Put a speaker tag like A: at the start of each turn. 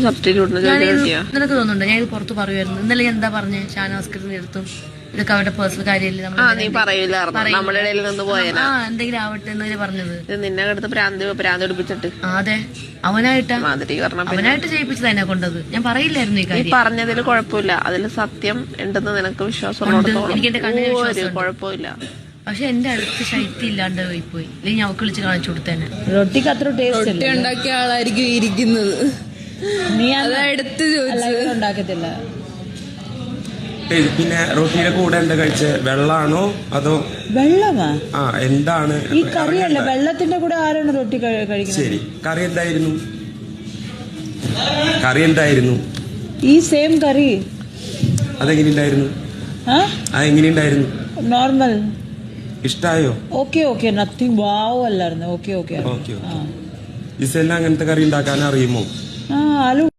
A: നിനക്ക് തോന്നുന്നുണ്ടോ ഞാൻ ഇത് പുറത്ത് പറയുമായിരുന്നു? ഇന്നലെ എന്താ പറഞ്ഞേ? ഷാനവാസ്കറിന്റെ അടുത്തും ഇതൊക്കെ അവരുടെ പേഴ്സണൽ കാര്യമല്ലേ, എന്തെങ്കിലും ആവട്ടെ എന്നല്ലേ പറഞ്ഞത്?
B: നിന്നെ അടുത്ത് പ്രാന്ത് പിടിപ്പിച്ചിട്ട്
A: അതെ അവനായിട്ട് ചെയ്യിപ്പിച്ചത് എന്നെ കൊണ്ടത്. ഞാൻ പറയില്ലായിരുന്നു ഈ കാര്യം.
B: പറഞ്ഞതിൽ കുഴപ്പമില്ല, അതിൽ സത്യം ഉണ്ടെന്ന് നിനക്ക് വിശ്വാസം.
A: എനിക്ക് എന്റെ കണ്ണിന് വിശ്വാസം
B: കുഴപ്പമില്ല.
A: പക്ഷെ എന്റെ അടുത്ത് ശൈത്യം ഇല്ലാണ്ട് പോയി. അല്ലെങ്കിൽ ഞാൻ വിളിച്ച് കാണിച്ചു കൊടുത്തേനെ.
C: റൊട്ടിക്ക് അത്ര ടേസ്റ്റ്
D: റൊട്ടി ഉണ്ടാക്കിയ ആളായിരിക്കും ഇരിക്കുന്നത്.
C: നീ
D: എടുത്ത്
C: ഉണ്ടാക്കത്തില്ല.
E: പിന്നെ റൊട്ടിയുടെ കൂടെ എന്താ കഴിച്ചേ? വെള്ളാണോ അതോ
C: വെള്ളമാ?
E: ആ എന്താണ്
C: ഈ കറിയല്ല, വെള്ളത്തിന്റെ കൂടെ ആരാണ് റൊട്ടി കഴിക്കുന്നത്?
E: ശരി, കറി എന്തായിരുന്നു? ഈ
C: സെയിം കറി
E: അതെങ്ങനെയുണ്ടായിരുന്നു? അതെങ്ങനെയുണ്ടായിരുന്നു?
C: നോർമൽ.
E: ഇഷ്ടായോ?
C: ഓക്കെ നത്തിങ് വാവ് അല്ലായിരുന്നു. ഓക്കെ
E: ഇസെല്ലാം അങ്ങനത്തെ കറി ഉണ്ടാക്കാൻ അറിയുമോ?
C: ആലു